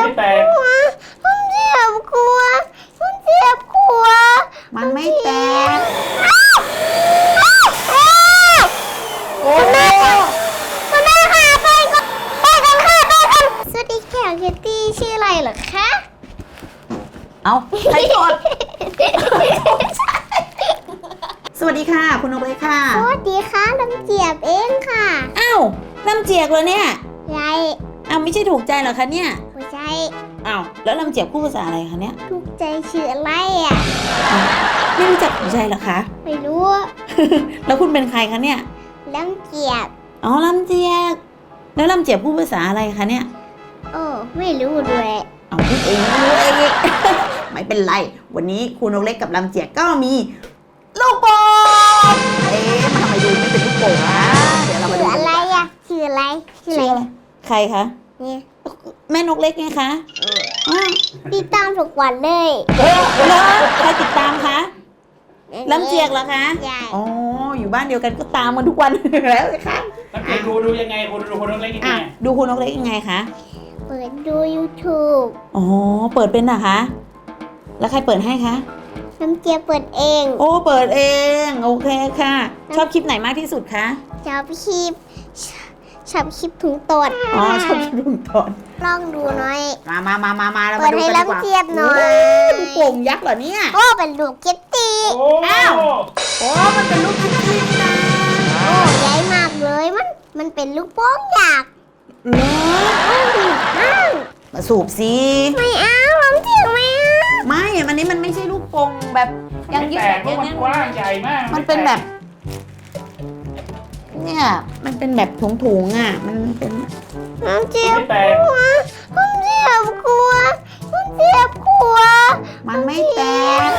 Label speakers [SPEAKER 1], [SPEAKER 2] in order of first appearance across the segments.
[SPEAKER 1] แตก
[SPEAKER 2] มันเจ็บกลัวมันเจ็บกลัว
[SPEAKER 3] มันไม่แตก
[SPEAKER 2] โอ้แม่คุณแม่ค่ะไปก่อนค่ะไปก่อนสวัสดีแขกคิตตี้ชื่ออะไรเหรอคะ
[SPEAKER 3] เอาใครกด สวัสดีค่ะคุณนกเล็กค่ะ
[SPEAKER 2] สวัสดีค่ะลำเจียบเองค่ะ
[SPEAKER 3] อ้าวลำเจียกเลยเนี่ย
[SPEAKER 2] ยาย
[SPEAKER 3] อ้าวไม่ใช่ถูกใจเหรอคะเนี่ย
[SPEAKER 2] หัวใจ
[SPEAKER 3] อ้าวแล้วลำเจียกพูดภาษาอะไรคะเนี่ย
[SPEAKER 2] ถูกใจชื่ออะไรอ่ะ
[SPEAKER 3] อ้าวไม่รู้จักถูกใจเหรอคะ
[SPEAKER 2] ไม่รู้
[SPEAKER 3] แล้วคุณเป็นใครคะเนี่ย
[SPEAKER 2] ลำเจียบ
[SPEAKER 3] อ๋อลำเจียกแล้วลำเจียกพูดภาษาอะไรคะเนี่ย
[SPEAKER 2] โอ้ไม่รู้ด้วย
[SPEAKER 3] เอาพูดเองไม่รู้เอง ไม่เป็นไร วันนี้ครูนกเล็กกับลำเจียกก็มีลูกโป่งมันทำไมดูไม่เป็นลูกโป่งนะเดี๋ยวเรามา
[SPEAKER 2] ชื่
[SPEAKER 3] ดู
[SPEAKER 2] อ
[SPEAKER 3] กัน
[SPEAKER 2] อะไร
[SPEAKER 3] ดีกว่า
[SPEAKER 2] อ่ะชื่ออะไรชื่ออะไร
[SPEAKER 3] ใครคะ
[SPEAKER 2] เนี่ย
[SPEAKER 3] แม่นกเล็กไงคะอ้าว
[SPEAKER 2] ติดตามทุกวันเลย
[SPEAKER 3] แล้วใครติดตามคะลำเจียกเหรอคะ
[SPEAKER 2] ใช่
[SPEAKER 3] อ๋ออยู่บ้านเดียวกันก็ตามมันทุกวัน แล้วสิคะ
[SPEAKER 1] แล้วเด็กดูยังไงคนดูคนเล็กยังไง
[SPEAKER 3] อ่ะดูครูนกเล็กยังไงคะ
[SPEAKER 2] เปิดดู YouTube
[SPEAKER 3] อ๋อเปิดเป็นเหรอคะแล้วใครเปิดให้คะ
[SPEAKER 2] น้ำเจียบเปิดเอง
[SPEAKER 3] โอ้เปิดเองโอเคค่ะ ชอบคลิปไหนมากที่สุดคะ
[SPEAKER 2] ชอบคลิปถุงตด
[SPEAKER 3] อ๋อชอบคลิปลุงตอน
[SPEAKER 2] ลองดูหน่อย
[SPEAKER 3] มาเรา
[SPEAKER 2] เปิ
[SPEAKER 3] มา
[SPEAKER 2] ด
[SPEAKER 3] ดู
[SPEAKER 2] ให้
[SPEAKER 3] กันดีกว่า
[SPEAKER 2] ลำเจียบหน่อย
[SPEAKER 3] ลูกโป่งยักษ์เหรอเนี่ย
[SPEAKER 2] โอ้เป็นลูกเก็ตตี้
[SPEAKER 1] โอ้
[SPEAKER 3] อ้าว โอ้มันเป็นลูกคิตตี้นี่นะ
[SPEAKER 2] โอ้ใหญ่มากเลยมันเป็นลูกโป่งอยาก
[SPEAKER 3] เหรอ
[SPEAKER 2] อ้าว
[SPEAKER 3] มาสูบสิ
[SPEAKER 2] ไม่เอาลำเจียบไม่เอา
[SPEAKER 3] ไม่อันนี้มันไม่ใช่ลูกโป่งแบบยังยืด
[SPEAKER 1] แต
[SPEAKER 3] แบ
[SPEAKER 1] ก
[SPEAKER 3] บ
[SPEAKER 1] เพราะมัน
[SPEAKER 3] นี้
[SPEAKER 1] กว้างใหญ่มาก
[SPEAKER 3] มันเป็นแบบ เนี่ยมันเป็นแบบถุงๆอ่ะมันเป็น
[SPEAKER 2] ลำเจียบ
[SPEAKER 1] ไม่แตก
[SPEAKER 2] กลัวลำเจียบกลัวลำเจียบกลัว
[SPEAKER 3] มันไม่แตก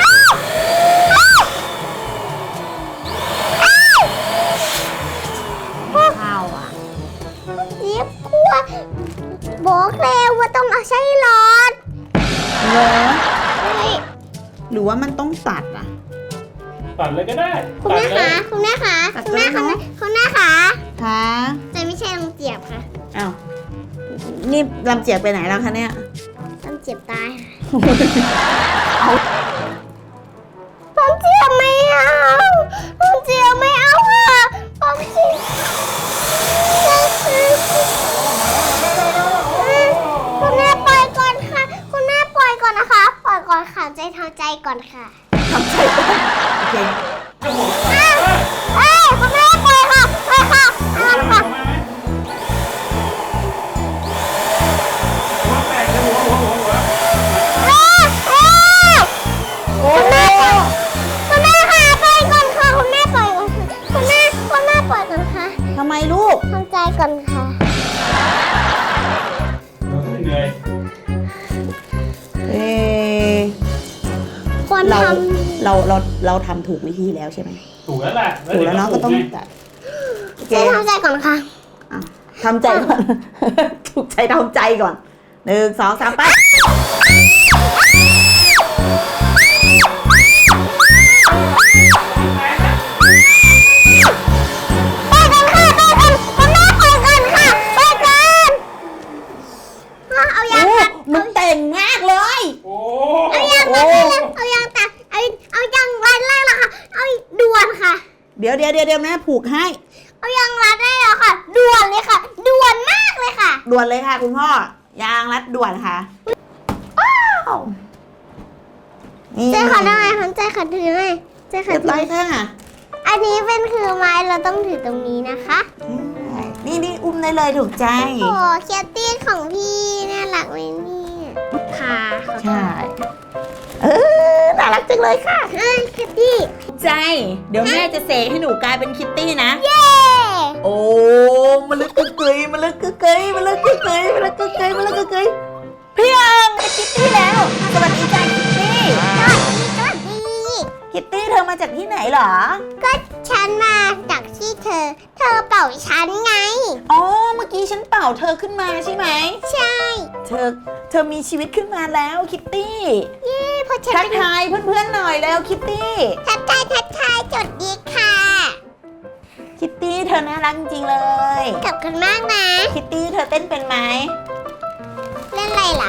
[SPEAKER 3] ข้าวอ่ะ
[SPEAKER 2] เจี๊ยบกลัวบอกแล้วว่าต้องเอาใช้หลอด
[SPEAKER 3] เหรอ
[SPEAKER 2] เฮ้ย
[SPEAKER 3] หรือว่ามันต้องตัดอ่ะ
[SPEAKER 1] ตัดเลยก็ได้
[SPEAKER 2] คุณแม่คะคุณแม่คะ
[SPEAKER 3] ตัด
[SPEAKER 2] คุณแม่
[SPEAKER 3] เลย
[SPEAKER 2] คะ
[SPEAKER 3] เนอะ
[SPEAKER 2] คุณแม่คะ
[SPEAKER 3] ค่ะ
[SPEAKER 2] แต่ไม่ใช่ลำเจียบค่ะ
[SPEAKER 3] อ้าวนี่ลำเจียกไปไหนแล้วคะเนี่ย
[SPEAKER 2] ลำเจียบตาย
[SPEAKER 3] เอา
[SPEAKER 2] ลำเจียบไม่เอาลำเจียบไม่เอาค่ะลำเจียบคุณแม่ปล่อยก่อนค่ะ คุณแม่ปล่อยก่อนนะคะ ปล่อยก่อนค่ะใจทำใจก่อนค่ะ
[SPEAKER 3] ทำใจก่อนโอเค
[SPEAKER 2] เอ้ยคุณแม่ปล่อยค่ะปล่อยค่ะเอาค่ะ
[SPEAKER 1] แตกเลยหัว
[SPEAKER 2] คุณแม่ค่ะปล่อยก่อนค่ะคุณแม่ปล่อยก่อนค่ะคุณแม่ปล่อยก่อนค่ะ
[SPEAKER 3] ทำไมลูก
[SPEAKER 2] ทำใจก่อนค่ะ
[SPEAKER 1] เหนื่อย
[SPEAKER 3] เออ
[SPEAKER 2] ควร
[SPEAKER 3] เรา
[SPEAKER 2] ท
[SPEAKER 3] เราทำถูกวิธีแล้วใช่ไหม
[SPEAKER 1] ถูกแล้วแหละ
[SPEAKER 3] ถูกแล้วเนาะก็ต้องตัดโอ
[SPEAKER 2] ำ
[SPEAKER 3] เค
[SPEAKER 2] ใจทำใจก่อนค่ะ
[SPEAKER 3] อ่ะทำใจก่อน ถูกใจทำใจก่อน1 2 3ไป
[SPEAKER 2] ปล่อยก่อนค่ะปล่อยก่อนคุณแม่ปล่อยก่อนค่ะปล่อยก่อนเอายาง
[SPEAKER 3] โอ้
[SPEAKER 2] ตัด
[SPEAKER 3] มันแต่งมากเลย
[SPEAKER 1] โอ้
[SPEAKER 2] เอายางตัดได้เลยเอายางตัดเอายางรัดแรกละค่ะ เอาด่วนค่ะ
[SPEAKER 3] เดี๋ยวแม่ผูกให้
[SPEAKER 2] เอายางรัดได้แล้วค่ะ ด่วนเลยค่ะ ด่วนมากเลยค่ะ
[SPEAKER 3] ด่วนเลยค่ะคุณพ่อยางรัดด่วนค่ะว้าวนี่
[SPEAKER 2] ใจค่ะได้ไหมคะใจค่ะถือไหมใจค่ะ
[SPEAKER 3] เรียบ
[SPEAKER 2] ถื
[SPEAKER 3] ร้อยค่ะ
[SPEAKER 2] อันนี้เป็นคือไม้เราต้องถือตรงนี้นะคะ
[SPEAKER 3] นี่อุ้มได้เลยถูกใจ
[SPEAKER 2] โอ้เคียตี้ของพี่น่ารักไหมเนี่ยค่ะ
[SPEAKER 3] ใช่น่ารักจังเลยค่ะ
[SPEAKER 2] เฮ้ยเคียตี้
[SPEAKER 3] ถูกใจ เดี๋ยวแม่จะเสกให้หนูกลายเป็นคิตตี้นะ
[SPEAKER 2] เย้
[SPEAKER 3] โอ้มันลึกกึกกึยมันลึกกึกกึยมันลึกกึกกึยมันลึกกึกกึยมันลึกกึกกึยพี่อังเป็นคิตตี้แล้ว สวัสดีจ้าคิตตี้
[SPEAKER 2] สวัสดี
[SPEAKER 3] คิตตี้เธอมาจากที่ไหนเหรอ
[SPEAKER 2] ก็ฉันมาจากที่เธอเป่าฉันไง
[SPEAKER 3] อ๋อ เมื่อกี้ฉันเป่าเธอขึ้นมาใช่ไหม
[SPEAKER 2] ใช่
[SPEAKER 3] เธอมีชีวิตขึ้นมาแล้วคิตตี้
[SPEAKER 2] เย้เพราะฉัน
[SPEAKER 3] ทัก
[SPEAKER 2] เป็น
[SPEAKER 3] ทายเพื่อนๆหน่อยแล้วคิตตี้
[SPEAKER 2] ทักทายจดดีค่ะ
[SPEAKER 3] คิตตี้เธอน่ารักจริงๆเลย
[SPEAKER 2] ขอบคุณมากนะ
[SPEAKER 3] คิตตี้เธอเต้นเป็นไหม
[SPEAKER 2] เล่นอะไรล่ะ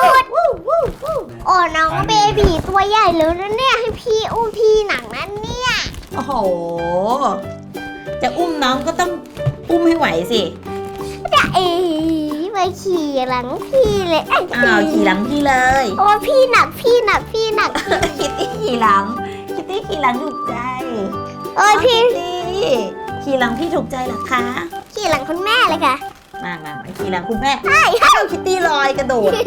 [SPEAKER 2] โอ้น้องเบบีตัวใหญ่เลยนะเนี่ยให้พี่อุ้มพี่หนังนั้นเนี่ย
[SPEAKER 3] โอ้โห จะอุ้มน้องก็ต้องอุ้มให้ไหวสิ
[SPEAKER 2] จะมาขี่หลังพี่เลยไอ้
[SPEAKER 3] อ้าวขี่หลังพี่เลย
[SPEAKER 2] โอ้พี่หนัก
[SPEAKER 3] คิตตี้ขี่หลัง คิตตี้ขี่หลังถูกใจ
[SPEAKER 2] โอ้ยพี่
[SPEAKER 3] คิตตี้ขี่หลังพี่ถูกใจเหรอคะ
[SPEAKER 2] ขี่หลังคุณแม่เลยค่ะ
[SPEAKER 3] มาขี่หลังคุณแม่อ้าวคิตตี้ลอยกระโดด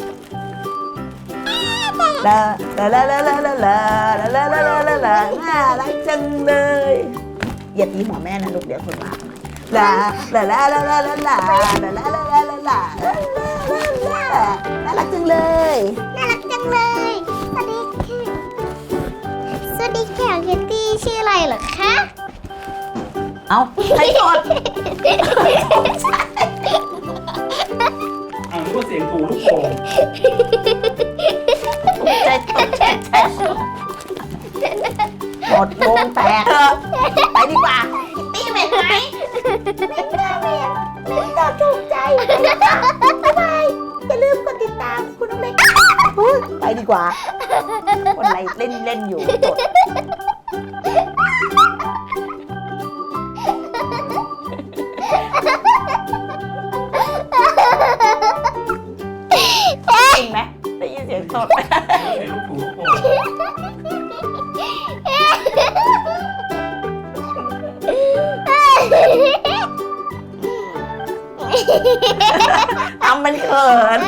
[SPEAKER 3] ลาลาลาลาลาลาลาลาลาลาลาลาลาน่ารักจังเลยอย่าตีหัวแม่นะลูกเดี๋ยวคนมาลาลาลาลาลาลาลาลาลาลาลาลาลาน่ารักจังเลย
[SPEAKER 2] น่ารักจังเลยสวัสดีค่ะสวัสดีค่ะคิตตี้ชื่ออะไรเหรอคะ
[SPEAKER 3] เอาใครกด
[SPEAKER 1] เอานึกว่าเสียงถูลูกโป่ง
[SPEAKER 3] ใจหมดวงแตกไปดีกว่าคิตตี้เหม็นไหมเหม็นค่ะเหม็นถูกใจบ๊ายบายอย่าลืมกดติดตามคุณน้องเล็กไปดีกว่าคนอะไรเล่นอยู่กดจริงไหมได้ยินเสียงสดไหม
[SPEAKER 1] เสียงถูลูกโป่ง
[SPEAKER 3] ทำมันเขิน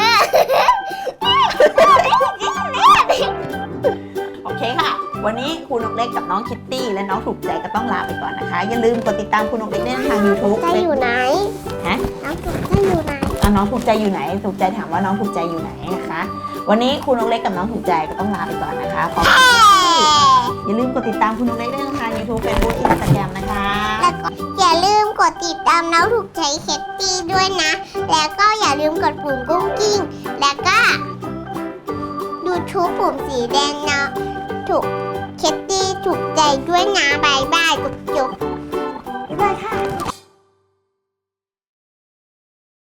[SPEAKER 3] โอเคค่ะ วันนี้ครูนกเล็กกับน้องคิตตี้และน้องถูกใจก็ต้องลาไปก่อนนะคะ อย่าลืมกดติดตามครูนกเล็กได้ทาง YouTube
[SPEAKER 2] ใจอยู่ไหน
[SPEAKER 3] ฮะ
[SPEAKER 2] น้องถูกใจอยู่ไหน
[SPEAKER 3] น้องถูกใจอยู่ไหน ถูกใจถามว่าน้องถูกใจอยู่ไหนนะคะ วันนี้ครูนกเล็กกับน้องถูกใจก็ต้องลาไปก่อนนะคะขอบคุณอย่าลืมกดติดตามครูนกเล็กได้ทาง YouTube Facebook Instagram นะคะ
[SPEAKER 2] แล้วก็อย่าลืมกดติดตามน้องถูกใจเคตตี้ด้วยนะ แล้วก็อย่าลืมกดปุ่มกุ้งกิ้ง แล้วก็ดูทูบปุ่มสีแดงนะถูกเคตตี้ถูกใจด้วยนะบายบายจุ๊บ